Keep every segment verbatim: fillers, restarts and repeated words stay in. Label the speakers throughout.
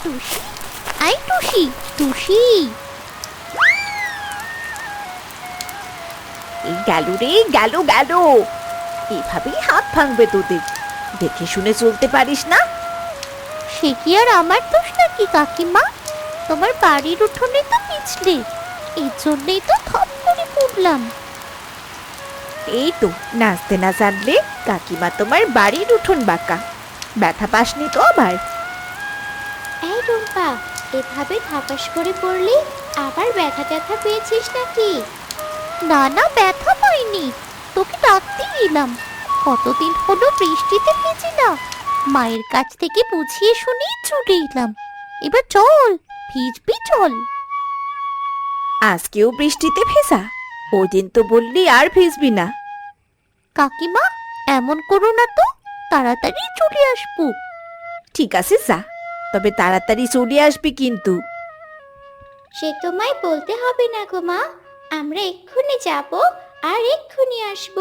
Speaker 1: টুসি, I টুসি, টুসি।
Speaker 2: এই গেল রে, গেল গেল। এভাবেই হাত ভাঙবে তোদের, দেখে শুনে চলতে পারিস না?
Speaker 1: সে কি আর আমার দোষ নাকি কাকিমা? তোমার বাড়ির উঠোনে তো পিছলে, এই জন্যই তো থপ করে পড়লাম।
Speaker 2: এই তো নাচতে না জানলে কাকিমা তোমার বাড়ির উঠোন বাঁকা। ব্যথা পাসনি তো আবার?
Speaker 1: এই রুম্পা, এভাবে ধাপাস করে পড়লি আবার ব্যথা ট্যাথা পেয়েছিস নাকি? না না, ব্যথা পাইনি, তোকে ডাকতে এলাম। কতদিন হলো বৃষ্টিতে ভিজি না, মায়ের কাছ থেকে বুঝিয়ে শুনিয়ে চলে এলাম। এবার চল, ভিজবি চল।
Speaker 2: আজকেও বৃষ্টিতে ভেজা? ওই দিন তো বললি আর ভিজবি না।
Speaker 1: কাকিমা, এমন করো না তো, তাড়াতাড়ি চলে আসবো।
Speaker 2: ঠিক আছে যা, তবে তাড়াতাড়ি চলে আসবি কিন্তু।
Speaker 1: সে তোমায় বলতে হবে না গো মা, আমরা এক্ষুনি যাব আর এক্ষুনি আসবো।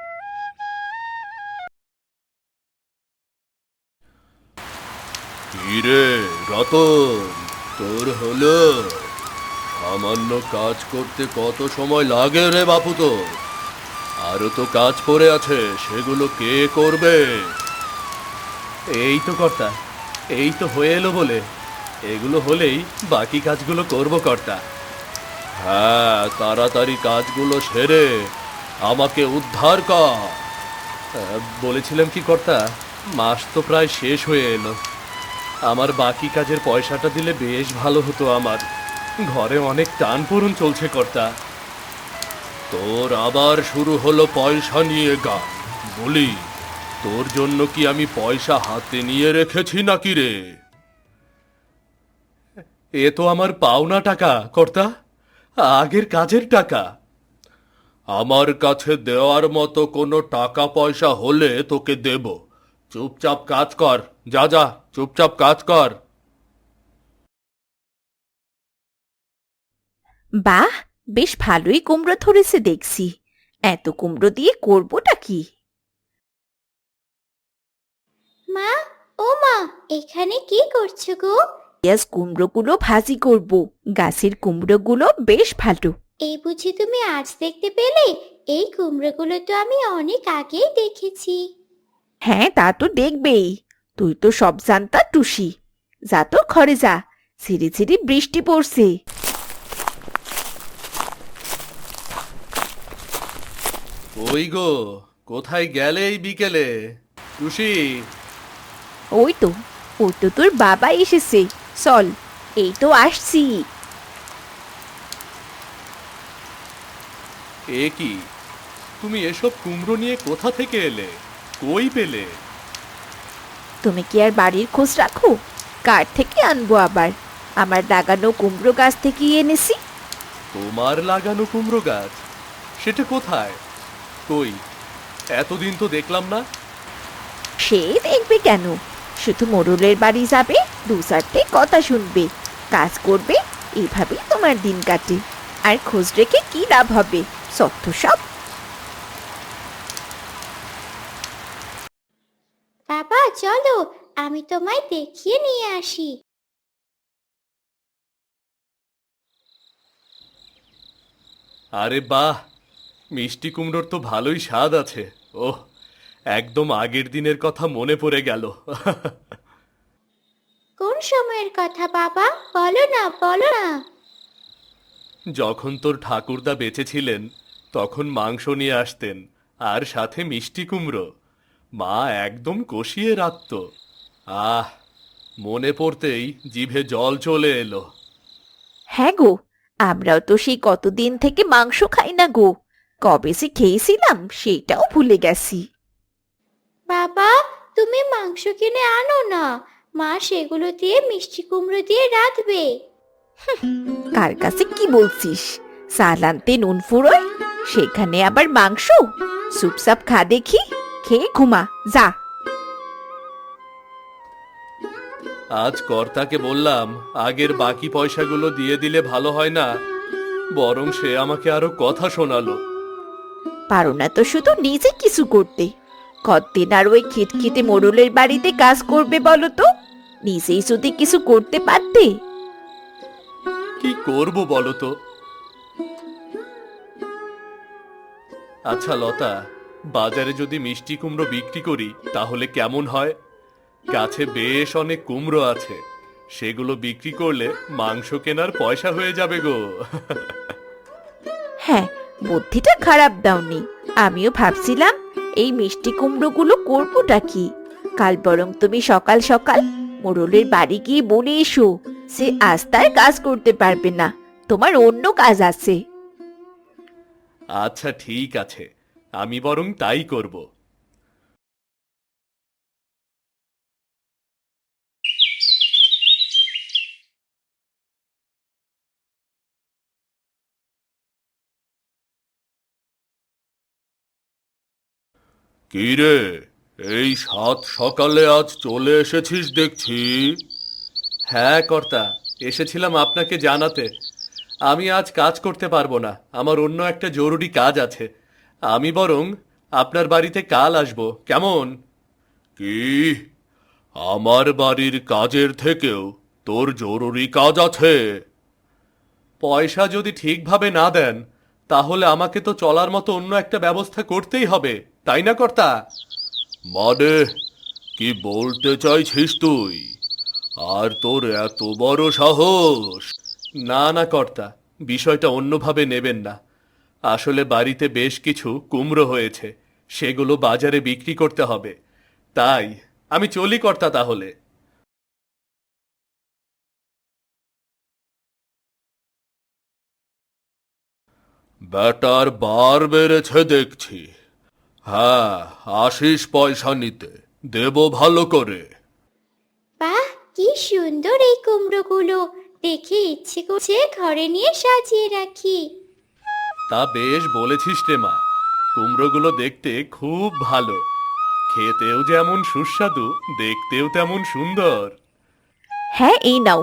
Speaker 3: কিরে রতন, তোর হলো? সামান্য কাজ করতে কত সময় লাগে রে বাপু তোর? আরো তো কাজ পড়ে আছে, সেগুলো কে করবে?
Speaker 4: এই তো কর্তা, এই তো হয়ে এলো বলে, এগুলো হলেই বাকি কাজগুলো করব কর্তা।
Speaker 3: হ্যাঁ, তাড়াতাড়ি কাজগুলো সেরে আমাকে উদ্ধার কর।
Speaker 4: আহ, বলেছিলাম কি কর্তা, মাস তো প্রায় শেষ হয়ে এলো, আমার বাকি কাজের পয়সাটা দিলে বেশ ভালো হতো। আমার ঘরে অনেক টান পূরণ চলছে কর্তা।
Speaker 3: তোর আবার শুরু হলো পয়সা নিয়ে গান। বলি, তোর জন্য কি আমি পয়সা হাতে নিয়ে রেখেছি নাকি রে?
Speaker 4: এ তো আমার পাওনা টাকা কর্তা, আগের কাজের টাকা।
Speaker 3: আমার কাছে দেওয়ার মতো কোনো টাকা পয়সা হলে তোকে দেব। চুপচাপ কাজ কর, যা যা, চুপচাপ কাজ কর।
Speaker 2: বাহ, বেশ ভালোই কুমড়ো ধরেছে দেখছি। এত কুমড়ো দিয়ে করবোটা কি?
Speaker 1: মা, ও মা, এখানে কি করছো গো?
Speaker 2: পেঁয়াজ কুমড়োগুলো ভাজি করব। গাছের কুমড়োগুলো বেশ ভালো।
Speaker 1: এই বুঝি তুমি আজ দেখতে পেলে? এই কুমড়োগুলো তো আমি অনেক আগেই দেখেছি।
Speaker 2: হ্যাঁ, তা তো দেখবেই, তুই তো সব জানতা টুসি। যা তো ঘরে যা, ঝিরি ঝিরি বৃষ্টি পড়ছে।
Speaker 4: ওই গো, কোথায় গেলে এই বিকেলে? টুসি,
Speaker 2: ওই তো, ওই তো তোর বাবা এসেছে। চল, এই তো আসছি।
Speaker 4: এ কি, তুমি এসব কুমড়ো নিয়ে কোথা থেকে এলে? কই পেলে?
Speaker 2: তুমি কি আর বাড়ির খোঁজ রাখো? কার থেকে আনবো আবার? আমার লাগানো কুমড়ো গাছ থেকে এনেছি।
Speaker 4: তোমার লাগানো কুমড়ো গাছ? সেটা কোথায়? কই, এতদিন তো দেখলাম না।
Speaker 2: সে দেখবে কেন, শুধু মোড়লের বাড়ি যাবে, দু চারটে কথা শুনবে, কাজ করবে, এভাবেই তোমার দিন কাটে। আর খোঁজ রেখে কি লাভ হবে? সত্য সব।
Speaker 1: বাবা চলো, আমি তোমায় দেখিয়ে নিয়ে আসি।
Speaker 4: আরে বাহ, মিষ্টি কুমড়োর তো ভালোই স্বাদ আছে। ওহ, একদম আগের দিনের কথা মনে পড়ে গেল।
Speaker 1: কোন সময়ের কথা বাবা, বলো না বলো না।
Speaker 4: যখন তোর ঠাকুরদা বেঁচে ছিলেন, তখন মাংস নিয়ে আসতেন, আর সাথে মিষ্টি কুমড়ো। মা একদম কষিয়ে রাখত। আহ, মনে পড়তেই জিভে জল চলে এলো।
Speaker 2: হ্যাঁ গো, আমরাও তো সেই কতদিন থেকে মাংস খাই না গো। কবে সে খেয়েছিলাম সেটাও ভুলে গেছি।
Speaker 1: বাবা, তুমি মাংস কিনে আনো না, মা সেগুলো দিয়ে মিষ্টি কুমড়ো দিয়ে রাঁধবে।
Speaker 2: কার কাছে কি বলছিস? চাল আনতে নুন ফুরোয়, সেখানে আবার মাংস? চুপচাপ খা দেখি, খেয়ে ঘুমা যা।
Speaker 4: আজ কর্তাকে বললাম আগের বাকি পয়সাগুলো দিয়ে দিলে ভালো হয় না, বরং সে আমাকে আরো কথা শোনালো।
Speaker 2: পারো না তো শুধু নিজে কিছু করতে, কতদিন আর ওই খিটখিটে মোড়লের বাড়িতে কাজ করবে বলো তো? নিজেই যদি কিছু করতে পারতে।
Speaker 4: কি করব বলো তো? আচ্ছা লতা, বাজারে যদি মিষ্টি কুমড়ো বিক্রি করি তাহলে কেমন হয়? গাছে বেশ অনেক কুমড়ো আছে, সেগুলো বিক্রি করলে মাংস কেনার পয়সা হয়ে যাবে গো।
Speaker 2: হ্যাঁ, বুদ্ধিটা খারাপ দাওনি। আমিও ভাবছিলাম এই মিষ্টি কুমড়োগুলো করবোটা কি। কাল বরং তুমি সকাল সকাল মোড়লের বাড়ি গিয়ে বলে এসো সে আজ তার কাজ করতে পারবে না, তোমার অন্য কাজ আছে।
Speaker 4: আচ্ছা ঠিক আছে, আমি বরং তাই করব।
Speaker 3: কি রে, এই সাত সকালে আজ চলে এসেছিস দেখছি।
Speaker 4: হ্যাঁ কর্তা, এসেছিলাম আপনাকে জানাতে আমি আজ কাজ করতে পারবো না, আমার অন্য একটা জরুরি কাজ আছে। আমি বরং আপনার বাড়িতে কাল আসবো, কেমন?
Speaker 3: কি, আমার বাড়ির কাজের থেকেও তোর জরুরি কাজ আছে?
Speaker 4: পয়সা যদি ঠিকভাবে না দেন তাহলে আমাকে তো চলার মতো অন্য একটা ব্যবস্থা করতেই হবে, তাই না কর্তা?
Speaker 3: মানে কি বলতে চাইছিস তুই? আর তোর এত বড় সাহস?
Speaker 4: না না কর্তা, বিষয়টা অন্যভাবে নেবেন না। আসলে বাড়িতে বেশ কিছু কুমড়ো হয়েছে, সেগুলো বাজারে বিক্রি করতে হবে। তাই আমি চলি কর্তা তাহলে।
Speaker 3: ব্যাটার বার বেড়েছে দেখছি। হ্যাঁ, আসিস পয়সা নিতে, দেব ভালো করে।
Speaker 1: বাহ, কি সুন্দর এই কুমড়োগুলো! দেখে ইচ্ছে করছে ঘরে নিয়ে সাজিয়ে রাখি।
Speaker 4: তা বেশ বলেছিস রে মা, কুমড়োগুলো দেখতে খুব ভালো, খেতেও যেমন সুস্বাদু, দেখতেও তেমন সুন্দর।
Speaker 2: হ্যাঁ, এই নাও,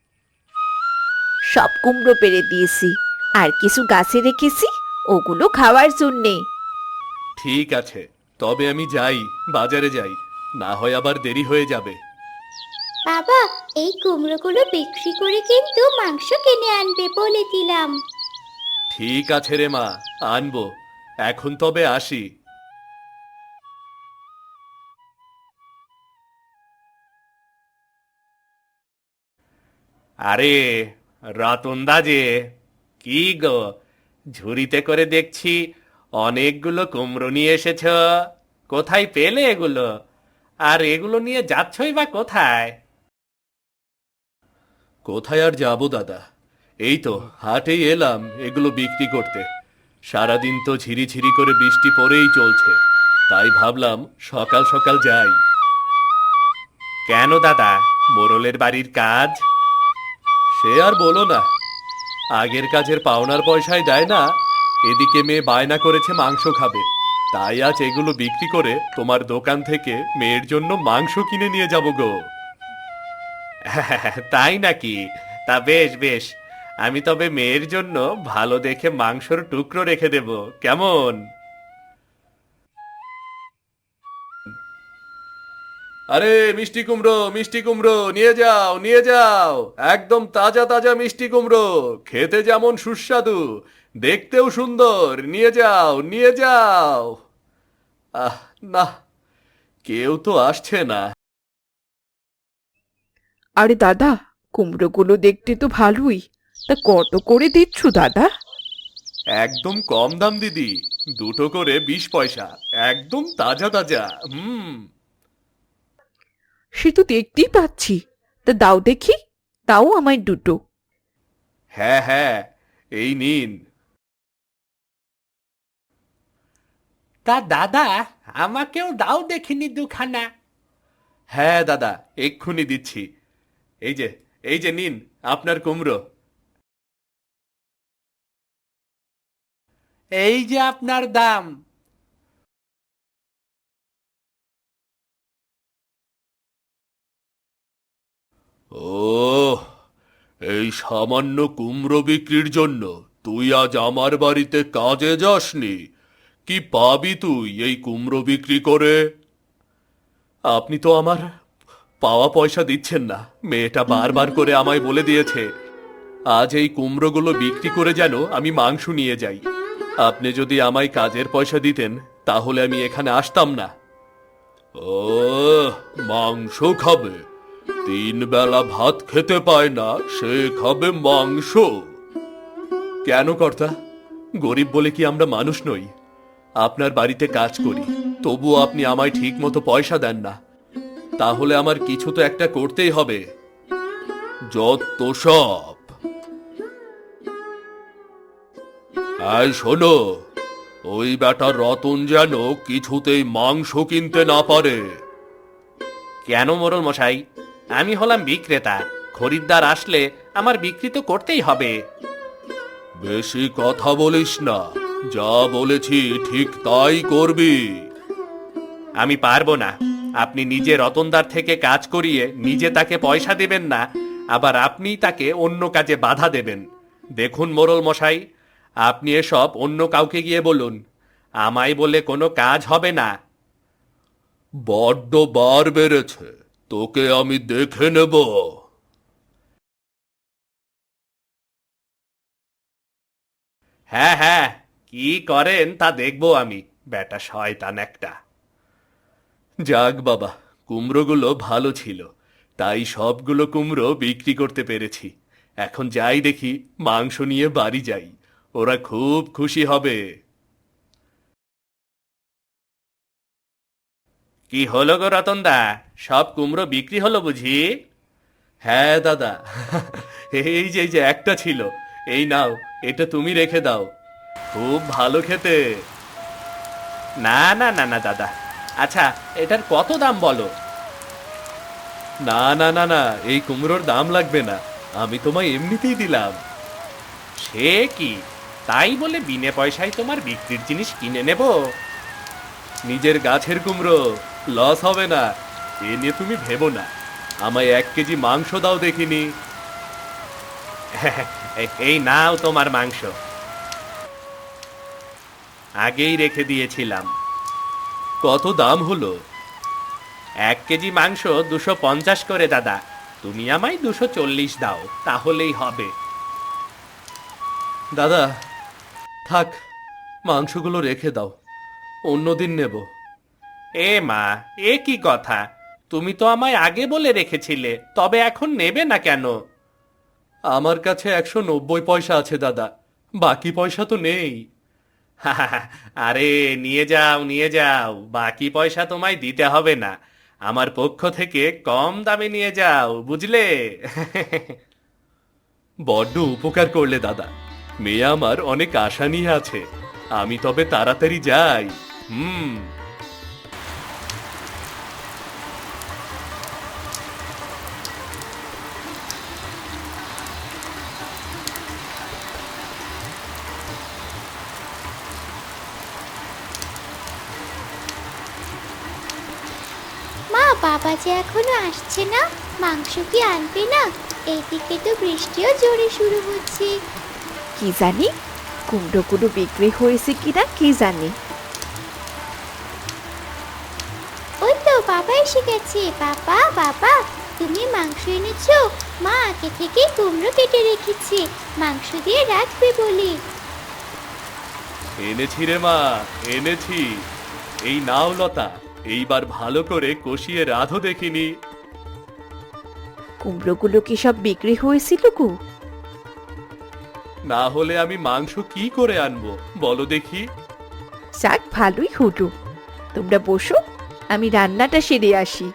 Speaker 2: সব কুমড়ো পেড়ে দিয়েছি, আর কিছু গাছে রেখেছি ওগুলো খাওয়ার জন্যে।
Speaker 4: ঠিক আছে, তবে আমি যাই, বাজারে যাই, না হয় আবার দেরি হয়ে যাবে।
Speaker 1: বাবা, এই কুমড়োগুলো বিক্রি করে কিন্তু মাংস কিনে আনবে বলে দিলাম।
Speaker 4: ঠিক আছে রে মা, আনবো। এখন তবে আসি। আরে রতনদা যে, কি গো, ঝুড়িতে করে দেখছি অনেকগুলো কুমড়ো নিয়ে এসেছ। কোথায় পেলে এগুলো? আর এগুলো নিয়ে যাচ্ছই বা কোথায়? কোথায় আর যাবো দাদা, এই তো হাটেই এলাম এগুলো বিক্রি করতে। সারাদিন তো ঝিরিঝিরি করে বৃষ্টি পড়েই চলছে, তাই ভাবলাম সকাল সকাল যাই। কেন দাদা, মোড়লের বাড়ির কাজ? সে আর বলো না, আগের কাজের পাওনার পয়সায় দেয় না, এদিকে মেয়ে বায়না করেছে মাংস খাবে, তাই আজ এগুলো বিক্রি করে তোমার দোকান থেকে মেয়ের জন্য মাংস কিনে নিয়ে যাব গো। তাই নাকি? তা বেশ বেশ, আমি তবে মেয়ের জন্য ভালো দেখে মাংসর টুকরো রেখে দেব, কেমন? আরে মিষ্টি কুমড়ো, মিষ্টি কুমড়ো নিয়ে যাও, নিয়ে যাও, একদম তাজা তাজা মিষ্টি কুমড়ো, খেতে যেমন সুস্বাদু, দেখতেও সুন্দর, নিয়ে যাও, নিয়ে যাও। আহ না, কেউ তো আসছে না।
Speaker 5: আরে দাদা, কুমড়োগুলো দেখতে তো ভালোই, তা কত করে দিচ্ছ দাদা?
Speaker 4: একদম কম দাম দিদি, দুটো করে বিশ পয়সা, একদম তাজা তাজা। হুম।
Speaker 5: সে তো দেখতেই পাচ্ছি, তা দাও দেখি, তাও আমায় দুটো।
Speaker 4: হ্যাঁ হ্যাঁ, এই নিন। তা দাদা, আমাকেও দাও দেখিনি দুখানা। হ্যাঁ দাদা, এক্ষুনি দিচ্ছি। এই যে, এই যে নিন আপনার কুমড়ো। এই যে আপনার দাম।
Speaker 3: ও, এই সামান্য কুমড়ো বিক্রির জন্য তুই আজ আমার বাড়িতে কাজে যাসনি? কি পাবি তুই এই কুমড়ো বিক্রি করে?
Speaker 4: আপনি তো আমার পাওয়া পয়সা দিচ্ছেন না। মেয়েটা বারবার করে আমায় বলে দিয়েছে আজ এই কুমড়োগুলো বিক্রি করে যেন আমি মাংস নিয়ে যাই। আপনি যদি আমায় কাজের পয়সা দিতেন তাহলে আমি এখানে আসতাম না।
Speaker 3: ও, মাংস খাবে? তিন বেলা ভাত খেতে পায় না, সে খাবে মাংস?
Speaker 4: কেন কর্তা, গরিব বলে কি আমরা মানুষ নই? আপনার বাড়িতে কাজ করি, তবুও আপনি আমায় ঠিক মতো পয়সা দেন না। তাহলে আমার কিছু তো একটা করতেই হবে।
Speaker 3: যত সব। এই শোনো, ওই বেটা রতন যেন কিছুতেই মাংস কিনতে না পারে।
Speaker 4: কেন মোড়ল মশাই? আমি হলাম বিক্রেতা, খরিদ্দার আসলে আমার বিক্রি তো করতেই হবে।
Speaker 3: বেশি কথা বলিস না, যা বলেছি ঠিক তাই করবি।
Speaker 4: আমি পারবো না। আপনি নিজে রতনদার থেকে কাজ করিয়ে নিজে তাকে পয়সা দেবেন না, আবার আপনি তাকে অন্য কাজে বাধা দেবেন। দেখুন মোড়ল মশাই, আপনি এসব অন্য কাউকে গিয়ে বলুন, আমায় বলে কোনো কাজ হবে না।
Speaker 3: বড্ড বার বেড়েছে, তোকে আমি দেখে নেব।
Speaker 4: হ্যাঁ হ্যাঁ, কি করেন তা দেখবো আমি, বেটা শয়তান একটা। যাক বাবা, কুমড়োগুলো ভালো ছিল, তাই সবগুলো কুমড়ো বিক্রি করতে পেরেছি। এখন যাই দেখি, মাংস নিয়ে বাড়ি যাই, ওরা খুব খুশি হবে। কি হলো গো রতনদা, সব কুমড়ো বিক্রি হলো বুঝি? হ্যাঁ দাদা, এই যে এই যে একটা ছিল, এই নাও, এটা তুমি রেখে দাও, খুব ভালো খেতে। না না না না দাদা, আচ্ছা এটার কত দাম বলো? না না না না, এই কুমড়োর দাম লাগবে না, আমি তোমায় এমনিতেই দিলাম। সে কি, তাই বলে বিনে পয়সায় তোমার বিক্রির জিনিস কিনে নেব? নিজের গাছের কুমড়ো, লস হবে না, এ নিয়ে তুমি ভেবো না। আমায় এক কেজি মাংস দাও দেখিনি। এই নাও তোমার মাংস, আগেই রেখে দিয়েছিলাম। কত দাম হলো? এক কেজি মাংস দুশো পঞ্চাশ করে দাদা, তুমি আমায় দুশো চল্লিশ দাও, তাহলেই হবে। দাদা থাক, মাংসগুলো রেখে দাও, অন্যদিন নেব। এ মা, এ কি কথা? তুমি তো আমায় আগে বলে রেখেছিলে, তবে এখন নেবে না কেন? আমার কাছে একশো নব্বই পয়সা আছে দাদা, বাকি পয়সা তো নেই। আরে নিয়ে যাও নিয়ে যাও, বাকি পয়সা তোমায় দিতে হবে না, আমার পক্ষ থেকে কম দামে নিয়ে যাও, বুঝলে? বড্ড উপকার করলে দাদা, মেয়ে আমার অনেক আশা নিয়ে আছে, আমি তবে তাড়াতাড়ি যাই। হুম।
Speaker 1: মা, বাবা যে এখনো আসছে না, মাংস কি আনবে না? এইদিকে তো বৃষ্টিও জোরে শুরু হচ্ছে।
Speaker 2: কি জানি কুমড়োগুলো বিক্রি হয়েছে কিনা কি জানি।
Speaker 1: ওই তো বাবা এসে গেছে। বাবা বাবা, তুমি মাংস এনেছো? মা আগে থেকে কুমড়ো কেটে রেখেছি, মাংস দিয়ে রাখবে বলি।
Speaker 4: এনেছি রে মা, এনেছি। এই নাও লতা, এইবার ভালো করে কষিয়ে রাধো দেখিনি।
Speaker 2: কুমড়োগুলো কি সব বিক্রি হয়েছিল গো?
Speaker 4: না হলে আমি মাংস কি করে আনবো বলো দেখি?
Speaker 2: যাক, ভালোই হলো। তোমরা বসো, আমি রান্নাটা সেরে আসি।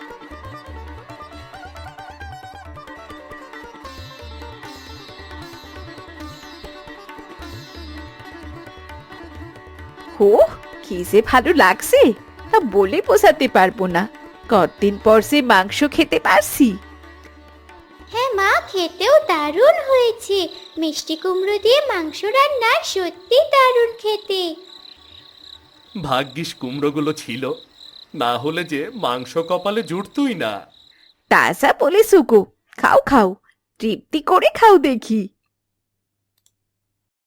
Speaker 2: হো, কি যে ভালো লাগছে, তা বলে বোঝাতে পারবো না। কতদিন পর সে মাংস খেতে পারছি।
Speaker 1: হ্যাঁ মা, খেতেও দারুণ হয়েছে। মিষ্টি কুমড়ো দিয়ে মাংস রান্না সত্যি দারুণ খেতে।
Speaker 4: ভাগ্যিস কুমড়োগুলো ছিল, না হলে যে মাংস কপালে জুটতই না।
Speaker 2: তা যা বলেছো গো, খাও খাও, তৃপ্তি করে খাও দেখি।